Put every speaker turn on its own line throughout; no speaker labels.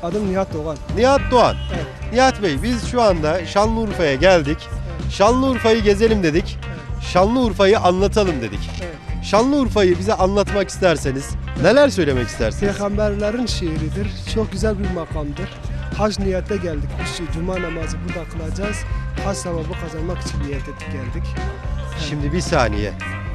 Adım Nihat Doğan.
Nihat Doğan.
Evet.
Nihat Bey, biz şu anda Şanlıurfa'ya geldik. Şanlıurfa'yı gezelim dedik. Şanlıurfa'yı anlatalım dedik.
Evet.
Şanlıurfa'yı bize anlatmak isterseniz neler söylemek istersiniz?
Peygamberlerin şehridir. Çok güzel bir makamdır. Hac niyette geldik. Biz cuma namazı burada kılacağız. Hac sevabı kazanmak için niyet ettik geldik.
Şimdi bir saniye.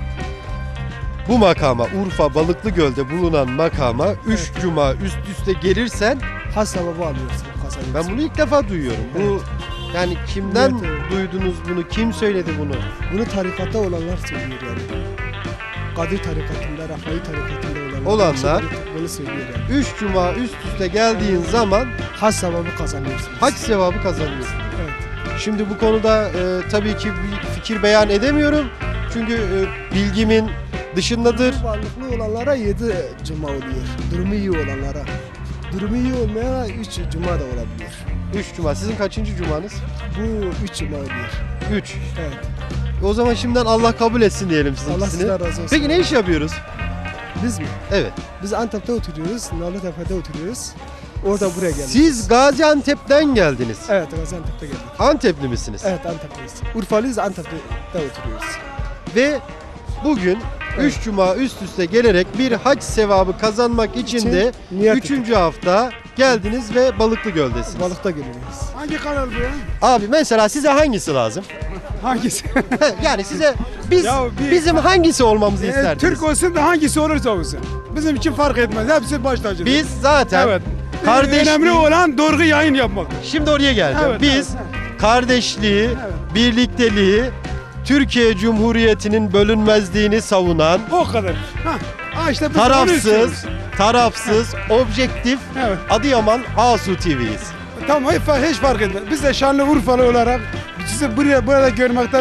Bu makama, Urfa Balıklıgöl'de bulunan makama 3 cuma üst üste gelirsen,
Hac sevabı alıyorsun, kazanıyorsun.
ben bunu ilk defa duyuyorum. Bu yani kimden
Evet.
duydunuz bunu? Kim söyledi bunu?
Bunu tarikatta olanlar söylüyor yani. Kadir tarikatında, Rafai tarikatında
Olanlar
bunu söylüyor yani.
3 cuma üst üste geldiğin zaman
Hac sevabı kazanıyorsun.
hac sevabı kazanıyorsun.
Evet.
Şimdi bu konuda tabii ki bir fikir beyan edemiyorum. Çünkü bilgimin dışındadır.
Varlıklı olanlara 7 cuma oluyor. Durumu iyi olanlara. Durumu iyi olmayana 3 cuma da olabilir.
3 cuma. Sizin kaçıncı cumanız?
Bu 3 cuma oluyor.
3.
Evet.
O zaman şimdiden Allah kabul etsin diyelim
Allah
sizinkisini.
sizden razı olsun.
Peki ne iş yapıyoruz?
Biz mi?
Evet.
Biz Antep'te oturuyoruz. Nalıtepe'de oturuyoruz. Orada buraya geldik.
Siz Gaziantep'ten geldiniz.
Evet, Gaziantep'te geldik.
Antepli misiniz?
Evet, Antep'teyiz. Urfalıyız, Antep'te oturuyoruz.
Ve bugün 3 cuma üst üste gelerek bir hac sevabı kazanmak için de
niyet
3.
ettik.
hafta geldiniz ve Balıklıgöl'desiniz.
Balıkta geliyoruz.
Hangi kanal bu ya?
Abi mesela size hangisi lazım?
Hangisi?
Yani size biz
Ya
bizim hangisi olmamızı isterdiniz?
Türk olsun da hangisi olursa olsun. Bizim için fark etmez. Hepsi baş tacıdır.
Biz zaten
evet.
kardeşliği,
Önemli olan doğru yayın yapmak.
şimdi oraya geleceğim.
Evet,
Biz
evet,
kardeşliği,
Evet.
birlikteliği, Türkiye Cumhuriyeti'nin bölünmezliğini savunan,
O kadar. İşte biz onu istiyoruz.
tarafsız, objektif
Evet.
Adıyaman Asu TV'yiz.
Tamam hiç fark etmez. Biz de Şanlıurfalı olarak sizi burada görmekten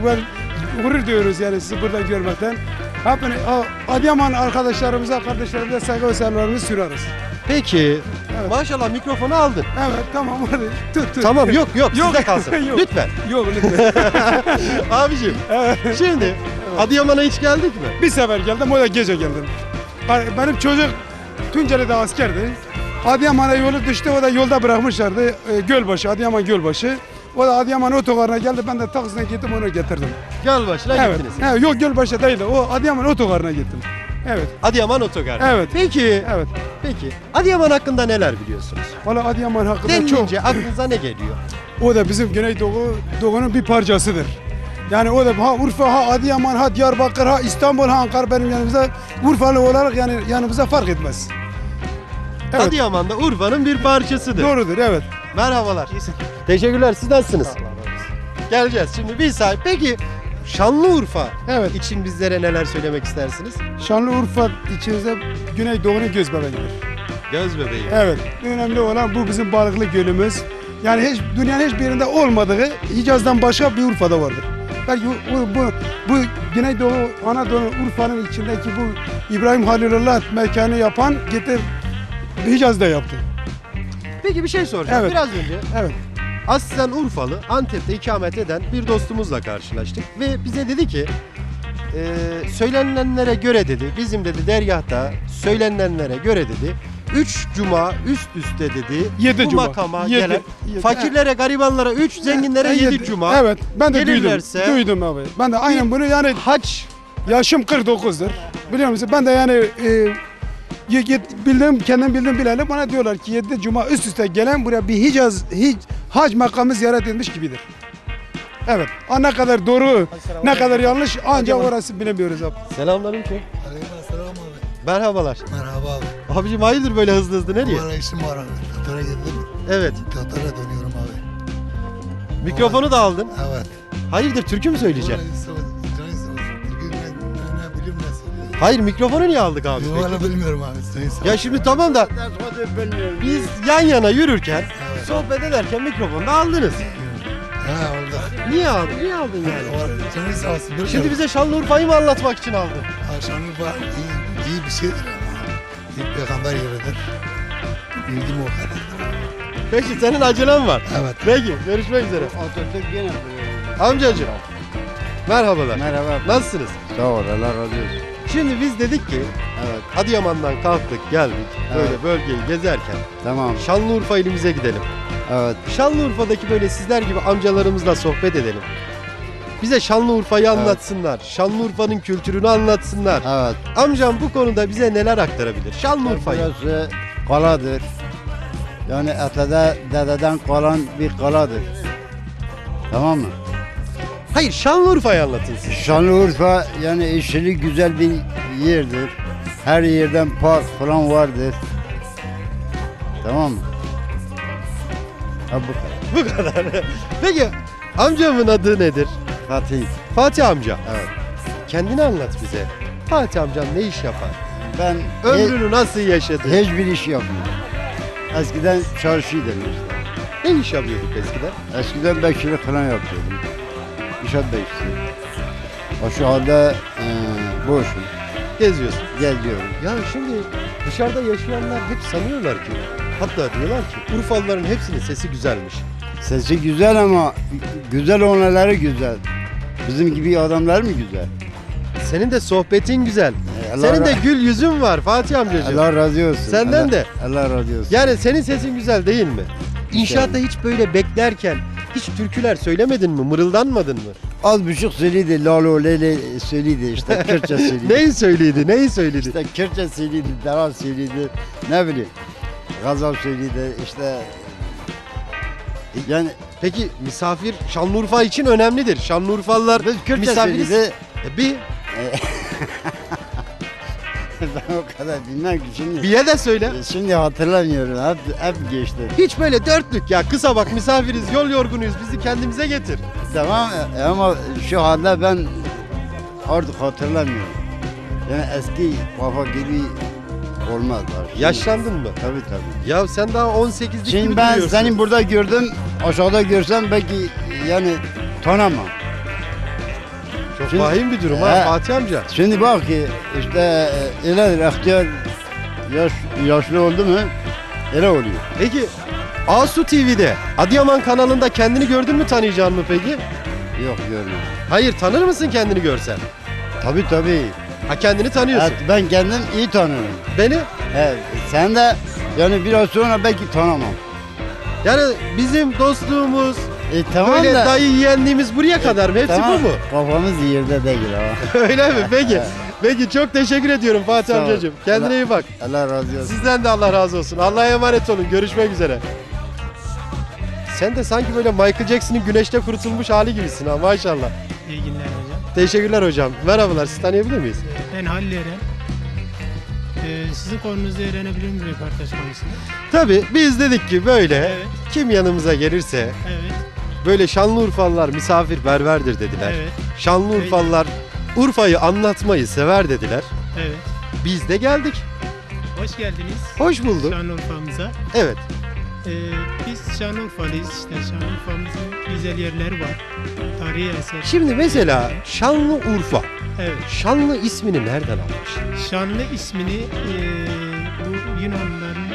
gurur duyuyoruz yani sizi burada görmekten. Hepini Adıyaman arkadaşlarımıza, kardeşlerimize saygı ve selamlarımızı süreriz.
Peki,
Evet.
maşallah mikrofonu aldın.
Evet tamam hadi. Tut.
Tamam yok
Yok.
sizde kalsın.
Yok.
Lütfen.
Yok lütfen.
Abiciğim,
Evet.
şimdi Adıyaman'a hiç geldik mi?
Bir sefer geldim, o da gece geldim. Benim çocuk Tunceli'de askerdi. Adıyaman'a yolu düştü, o da yolda bırakmışlardı. Gölbaşı, Adıyaman Gölbaşı. O da Adıyaman otogarına geldi, ben de taksine gittim onu getirdim.
Gölbaşı'na
Evet.
gittiniz.
Evet, yok Gölbaşı değildi, o Adıyaman otogarına gittim. Evet,
Adıyaman Otogar.
Evet.
Peki,
evet.
peki. Adıyaman hakkında neler biliyorsunuz?
Valla Adıyaman hakkında çok...
Denilince aklınıza ne geliyor?
O da bizim Güneydoğu'nun bir parçasıdır. Yani o da ha Urfa, ha Adıyaman, ha Diyarbakır, ha İstanbul, ha Ankara benim yanımızda Urfalı olarak yani yanımıza fark etmez. Evet.
Adıyaman'da Urfa'nın bir parçasıdır.
Doğrudur, evet.
Merhabalar. Teşekkürler. Siz nasılsınız? Geleceğiz. Şimdi bir saat. Peki Şanlıurfa
Evet.
için bizlere neler söylemek istersiniz?
Şanlıurfa içimizde Güneydoğu'nun göz bebeğidir.
Göz bebeği.
Evet. Önemli olan bu bizim balıklı gölümüz. Yani dünyanın hiçbir yerinde olmadığı Hicaz'dan başka bir Urfa'da vardır. Belki bu Güneydoğu, Anadolu, Urfa'nın içindeki bu İbrahim Halilullah mekanı yapan getir Hicaz'da yaptı.
Peki bir şey soracağım.
Evet.
Biraz önce
Evet.
aslen Urfalı, Antep'te ikamet eden bir dostumuzla karşılaştık ve bize dedi ki söylenilenlere göre dedi, bizim dedi dergahta söylenilenlere göre dedi 3 cuma üst üste dedi
7
bu
cuma.
makama
7,
gelen
7.
fakirlere, garibanlara 3, zenginlere 7 cuma.
Evet, ben de
Gelirlerse-
duydum abi. Ben de aynen bunu yani
Hac
yaşım 49'dur. Biliyor musun? Ben de yani kendim bildim bileli bana diyorlar ki 7 cuma üst üste gelen buraya bir hac makamı ziyaret edilmiş gibidir. Evet. Ne kadar doğru, ne kadar yanlış ancak orası bilemiyoruz abi.
Selamünaleyküm.
Aleykümselam abi.
Merhabalar.
Merhaba abi.
Abicim hayırdır böyle hızlı hızlı nereye?
Valla işim var abi. Tatar'a girdim.
Evet.
Tatar'a dönüyorum abi.
Mikrofonu da aldın.
Evet.
Hayırdır türkü mü söyleyeceksin?
Bugün ne bileyim ne söylüyor.
Hayır mikrofonu niye aldık abi? peki?
Valla bilmiyorum abi. Sayın sağ ol.
Ya şimdi tamam da biz yan yana yürürken, sohbet ederken mikrofonu da aldınız.
Ha orada.
Niye aldın? Niye aldın yani?
Canın sağ olsun.
Şimdi bize Şanlıurfa'yı mı anlatmak için aldın?
Şanlıurfa iyi bir şeydir ama. İlk peygamber yeridir. Bilgim o kadar.
Peki senin acelen var.
Evet.
Peki görüşmek üzere.
Atatürk gene
Amcacığım. Merhabalar.
Merhaba.
Nasılsınız?
Sağ ol, Allah razı olsun.
Şimdi biz dedik ki
Evet.
Adıyaman'dan kalktık geldik. Böyle
Evet.
bölgeyi gezerken
Tamam.
Şanlıurfa ilimize gidelim.
Evet.
Şanlıurfa'daki böyle sizler gibi amcalarımızla sohbet edelim. Bize Şanlıurfa'yı
Evet.
anlatsınlar. Şanlıurfa'nın kültürünü anlatsınlar.
Evet.
Amcam bu konuda bize neler aktarabilir? Şanlıurfa'yı.
Burası kaladır. Yani Atada dededen kalan bir kaladır. Tamam mı?
Hayır, Şanlıurfa'yı anlatın siz.
Şanlıurfa yani işçilik güzel bir yerdir. Her yerden park falan vardır. Tamam mı? Ha bu kadar.
Bu kadar. Peki amcamın adı nedir?
Fatih.
Fatih amca.
Evet.
Kendini anlat bize. Fatih amcam ne iş yapar?
Ben
Ömrünü nasıl yaşadı?
hiçbir iş yapmıyorum. Eskiden çarşıydım işte.
Ne iş yapıyorduk eskiden?
Eskiden bekçilik falan yapıyordum. İnşaat bekçisi. O şu anda boşum.
Geziyorsun.
Geziyorum.
Ya şimdi dışarıda yaşayanlar hep sanıyorlar ki, hatta diyorlar ki Urfalıların hepsinin sesi güzelmiş.
Sesi güzel ama güzel olanları güzel. Bizim gibi adamlar mı güzel?
Senin de sohbetin güzel.
Allah
Senin de
ra-
gül yüzün var Fatih amcacığım.
Allah razı olsun.
Senden
Allah,
de.
Allah razı olsun.
Yani senin sesin güzel değil mi? İnşaatta hiç böyle beklerken hiç türküler söylemedin mi? Mırıldanmadın mı?
Az buçuk söyledi, lalo lele söyledi işte, Kürtçe söyledi.
Neyi söyledi? Neyi söyledi?
İşte Kürtçe söyledi, Dara söyledi, ne bileyim, Gazal söyledi işte. Yani
Peki misafir Şanlıurfa için önemlidir. Şanlıurfalılar
biz Kürtçe
misafiriz.
söyledi.
Bir
Ben o kadar bilmem ki şimdi.
biye de söyle.
Şimdi hatırlamıyorum, hep geçti.
Hiç böyle dörtlük ya, kısa bak, misafiriz, yol yorgunuyuz, bizi kendimize getir.
Tamam ama şu anda ben artık hatırlamıyorum. Yani eski kafa gibi olmaz. Şimdi-
Yaşlandın mı?
Tabii tabii.
Ya sen daha 18'lik gibi
Şimdi ben
duruyorsun.
seni burada gördüm, aşağıda görsem belki yani tanımam.
Çok
Şimdi-
vahim bir durum ha
He.
Fatih amca.
Şimdi bak ki işte öyledir, ihtiyar yaşlı oldu mu öyle oluyor.
Peki Asu TV'de Adıyaman kanalında kendini gördün mü, tanıyacaksın mı peki?
Yok görmedim.
Hayır, tanır mısın kendini görsen?
Tabii tabii.
Ha, kendini tanıyorsun.
Evet, ben kendim iyi tanıyorum.
Beni?
Evet, sen de yani biraz sonra belki tanımam.
Yani bizim dostluğumuz,
Tamam
böyle
da.
dayı yeğenliğimiz buraya kadar mı? Hepsi
Tamam,
bu mu?
Kafamız yerde değil ha.
Öyle mi? Peki. Peki, çok teşekkür ediyorum Fatih
Sağ ol.
amcacığım. Kendine
Allah-
iyi bak.
Allah razı olsun.
Sizden de Allah razı olsun. Allah'a emanet olun. Görüşmek üzere. Sen de sanki böyle Michael Jackson'ın güneşte kurutulmuş hali gibisin ha, maşallah.
İyi günler hocam.
Teşekkürler hocam. Merhabalar. Sizi tanıyabilir miyiz?
Ben Halil Eren. Sizin konunuzu öğrenebilir miyim röportaj konusunda?
Tabii biz dedik ki böyle
Evet,
kim yanımıza gelirse
evet,
böyle Şanlıurfalılar misafirperverdir dediler.
evet,
Şanlıurfalılar Urfa'yı anlatmayı sever dediler.
evet.
Biz de geldik.
Hoş geldiniz
Hoş bulduk.
Şanlıurfa'mıza.
Evet.
Biz Şanlıurfalıyız işte. Şanlıurfa'mızın güzel yerleri var. Tarihi eser.
Şimdi mesela Şanlıurfa.
Evet.
Şanlı ismini nereden almış?
Şanlı ismini bu Yunanlıların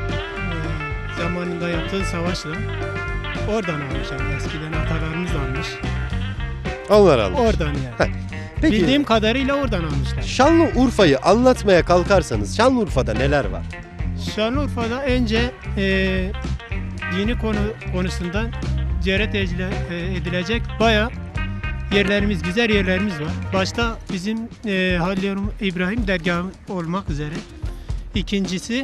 zamanında yaptığı savaşla oradan almış. Yani eskiden atalarımız almış.
Onlar almış.
Oradan yani.
Peki
Bildiğim kadarıyla oradan almışlar.
Şanlıurfa'yı anlatmaya kalkarsanız Şanlıurfa'da neler var?
Şanlıurfa'da önce dini konusunda ziyaret edilecek bayağı yerlerimiz, güzel yerlerimiz var. Başta bizim Halil İbrahim dergahı olmak üzere. İkincisi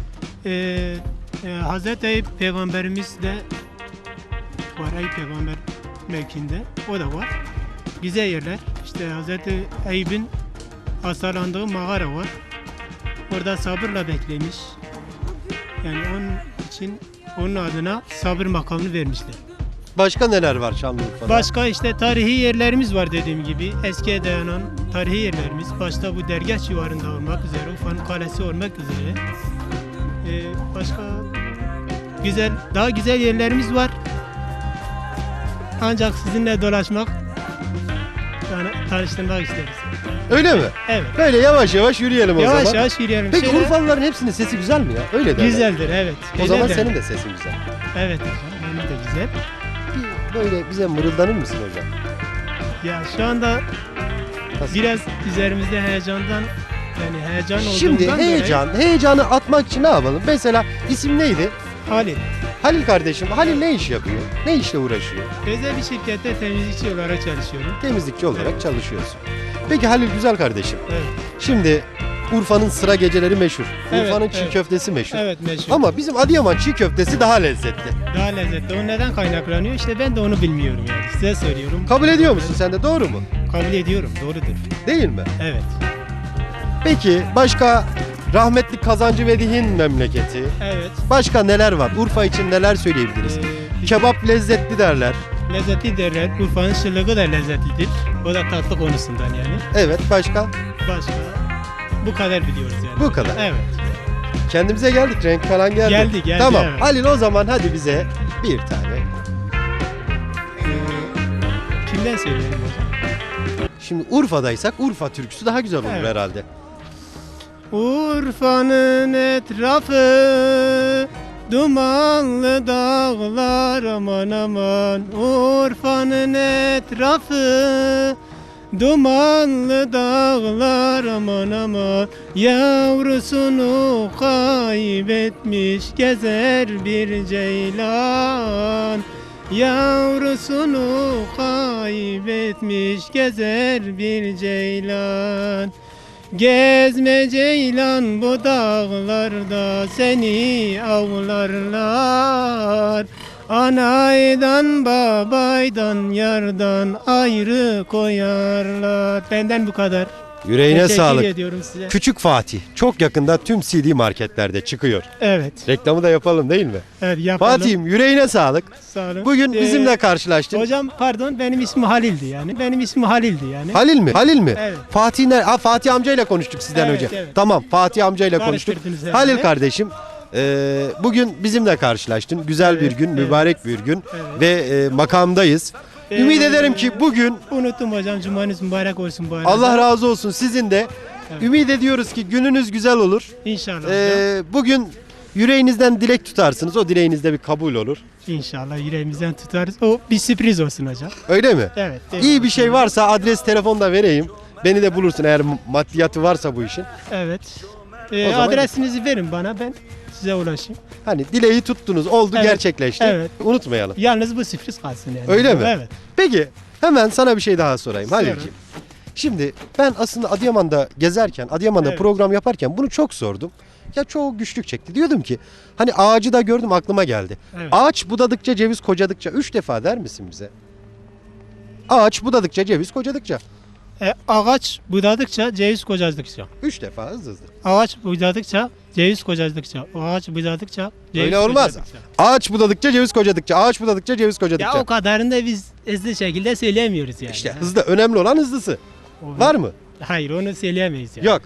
Hazreti Eyüp Peygamberimiz de var. Eyüp Peygamber mevkinde. O da var. Güzel yerler. İşte Hazreti Eyüp'ün hastalandığı mağara var. Orada sabırla beklemiş. Yani onun için onun adına sabır makamını vermişler.
Başka neler var Şanlıurfa'da?
Başka işte tarihi yerlerimiz var dediğim gibi. Eskiye dayanan tarihi yerlerimiz. Başta bu dergah civarında olmak üzere, Urfa'nın kalesi olmak üzere. Başka güzel, daha güzel yerlerimiz var. Ancak sizinle dolaşmak, yani tanıştırmak isteriz.
Öyle mi?
Evet.
Böyle yavaş yavaş yürüyelim o
Yavaş
zaman.
yavaş yürüyelim.
Peki
Şöyle-
Urfalıların hepsinin sesi güzel mi ya? Öyle derler.
Güzeldir, evet.
O zaman
Güzeldir.
senin de sesin güzel.
Evet hocam, benim de güzel.
Bir böyle bize mırıldanır mısın hocam?
Ya şu anda
Nasıl?
biraz üzerimizde heyecandan Yani heyecan olduğundan
Şimdi
dolayı-
heyecanı atmak için ne yapalım? Mesela isim neydi?
Halil.
Halil kardeşim. Halil ne iş yapıyor? Ne işle uğraşıyor?
Özel bir şirkette temizlikçi olarak çalışıyorum.
Temizlikçi olarak
Evet.
çalışıyorsun. Peki Halil güzel kardeşim.
Evet.
Şimdi Urfa'nın sıra geceleri meşhur.
Evet,
Urfa'nın çiğ
evet.
köftesi meşhur.
Evet meşhur.
Ama bizim Adıyaman çiğ köftesi daha lezzetli.
Daha lezzetli. O neden kaynaklanıyor? İşte ben de onu bilmiyorum yani. Size söylüyorum.
Kabul ediyor musun sen de, doğru mu?
Kabul ediyorum. Doğrudur.
Değil mi?
Evet.
Peki başka rahmetli Kazancı Vedih'in memleketi.
Evet.
Başka neler var? Urfa için neler söyleyebiliriz? Kebap lezzetli derler.
Lezzeti derler. Urfa'nın şırlığı da lezzetlidir. O da tatlı konusundan yani.
Evet, başka?
Başka. Bu kadar biliyoruz yani.
Bu kadar.
Evet.
Kendimize geldik, renk falan geldi.
Geldi,
Tamam.
evet.
Halil o zaman hadi bize bir tane.
Kimden söyleyelim hocam?
Şimdi Urfa'daysak Urfa türküsü daha güzel olur
Evet.
herhalde.
Urfa'nın etrafı dumanlı dağlar aman aman. Urfa'nın etrafı dumanlı dağlar aman aman. Yavrusunu kaybetmiş gezer bir ceylan. Yavrusunu kaybetmiş gezer bir ceylan. Gezme ceylan bu dağlarda seni avlarlar. Anaydan babaydan yardan ayrı koyarlar. Benden bu kadar.
Yüreğine
Teşekkür
sağlık.
ediyorum size.
Küçük Fatih çok yakında tüm CD marketlerde çıkıyor.
Evet.
Reklamı da yapalım değil mi?
Evet yapalım.
Fatih'im yüreğine sağlık.
Sağ olun.
Bugün bizimle karşılaştın.
Hocam pardon benim ismim Halil'di yani. Benim ismim Halil'di yani.
Halil mi? Halil mi?
Evet.
Fatih Fatih amcayla konuştuk sizden
Evet,
önce.
evet.
Tamam, Fatih amcayla konuştuk.
Karıştırdınız herhalde.
Halil kardeşim, bugün bizimle karşılaştın. Güzel bir
Evet,
gün,
evet.
mübarek bir gün
Evet.
ve makamdayız. Ümit ederim ki bugün
Unuttum hocam. Cumanız mübarek olsun bu arada.
Allah razı olsun sizin de.
Evet.
Ümit ediyoruz ki gününüz güzel olur.
İnşallah hocam.
Bugün yüreğinizden dilek tutarsınız. O dileğinizde bir kabul olur.
İnşallah yüreğimizden tutarız. O bir sürpriz olsun hocam.
Öyle mi?
Evet.
İyi bir şey varsa adres, telefon da vereyim. Beni de bulursun eğer maddiyatı varsa bu işin.
Evet.
O zaman-
Adresinizi verin bana, ben size ulaşayım.
Hani dileği tuttunuz, oldu,
Evet,
gerçekleşti.
evet.
Unutmayalım.
Yalnız bu sürpriz kalsın yani.
Öyle mi?
Evet.
Peki hemen sana bir şey daha sorayım
Sorun.
Halil'ciğim. Şimdi ben aslında Adıyaman'da gezerken, Adıyaman'da
Evet.
program yaparken bunu çok sordum. Ya çoğu güçlük çekti. Diyordum ki hani ağacı da gördüm, aklıma geldi.
Evet.
Ağaç budadıkça ceviz kocadıkça 3 defa der misin bize? Ağaç budadıkça ceviz kocadıkça.
Ağaç budadıkça, ceviz kocadıkça.
3 defa hızlı hızlı.
Ağaç budadıkça, ceviz kocadıkça. Ağaç budadıkça, ceviz
Öyle olmaz.
kocadıkça.
Ağaç budadıkça ceviz kocadıkça. Ağaç budadıkça ceviz kocadıkça.
Ya o kadarını da biz hızlı şekilde söyleyemiyoruz yani.
İşte hızlı, önemli olan hızlısı.
O-
Var mı?
Hayır onu söyleyemeyiz yani.
Yok.